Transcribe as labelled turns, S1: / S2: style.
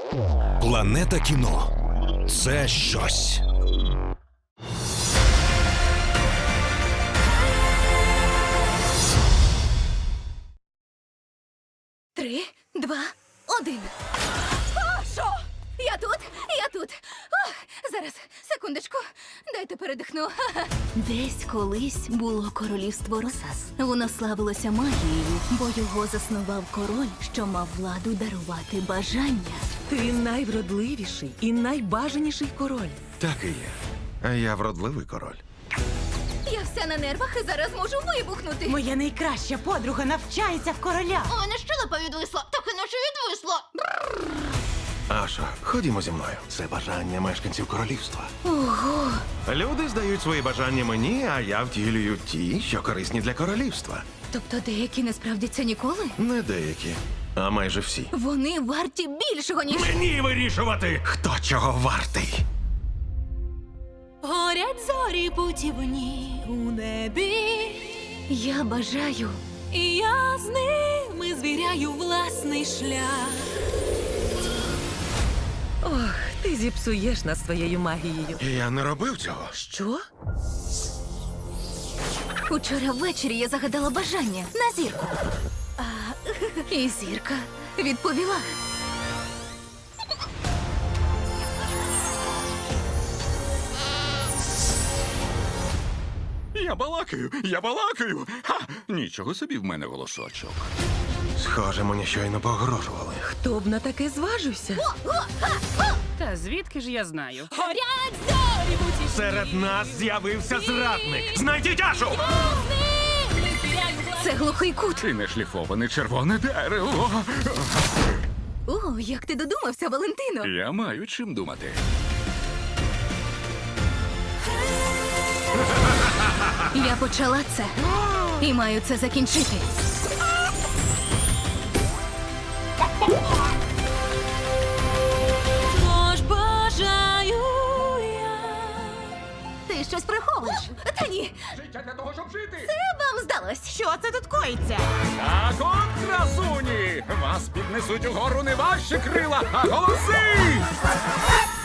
S1: Планета кіно – це щось.
S2: Три, два, один. О, що? Я тут, я тут. О, зараз, секундочку, дайте передихну. Десь колись було королівство Росас. Воно славилося магією, бо його заснував король, що мав владу дарувати бажання.
S3: Ти найвродливіший і найбажаніший король.
S4: Так і є. А я вродливий король.
S2: Я вся на нервах і зараз можу вибухнути.
S3: Моя найкраща подруга навчається в короля.
S2: У мене щелепа відвисла, так і наче відвисла.
S4: Ашо, ходімо зі мною. Це бажання мешканців королівства.
S2: Ого.
S4: Люди здають свої бажання мені, а я втілюю ті, що корисні для королівства.
S2: Тобто деякі не справдяться ніколи?
S4: Не деякі, а майже всі.
S2: Вони варті більшого, ніж...
S4: Мені вирішувати, хто чого вартий.
S5: Горять зорі путівні у небі,
S2: Я бажаю.
S5: і я з ними звіряю власний шлях.
S3: Ох, ти зіпсуєш нас своєю магією.
S4: Я не робив цього.
S3: Що?
S2: Учора ввечері я загадала бажання на зірку. І зірка відповіла.
S6: Я балакаю. Ха! Нічого собі в мене голосочок.
S4: Схоже, мені щойно погрожували.
S3: Хто б на таке зважився?
S7: Та звідки ж я знаю?
S5: Горять зорі путівні,
S4: Серед нас з'явився зрадник. Знайдіть Ашу!
S5: з ними звіряю власний
S2: Це глухий кут.
S6: І не шліфоване червоне дерево.
S2: О, як ти додумався, Валентино.
S6: Я маю чим думати.
S2: Я почала це. І маю це закінчити.
S5: Тож бажаю я.
S2: Ти щось приховуєш? Та ні,
S6: Життя для того, щоб жити.
S2: це вам здалось.
S3: Що це тут коїться?
S6: Так от, красуні! Вас піднесуть угору не ваші крила, а голоси!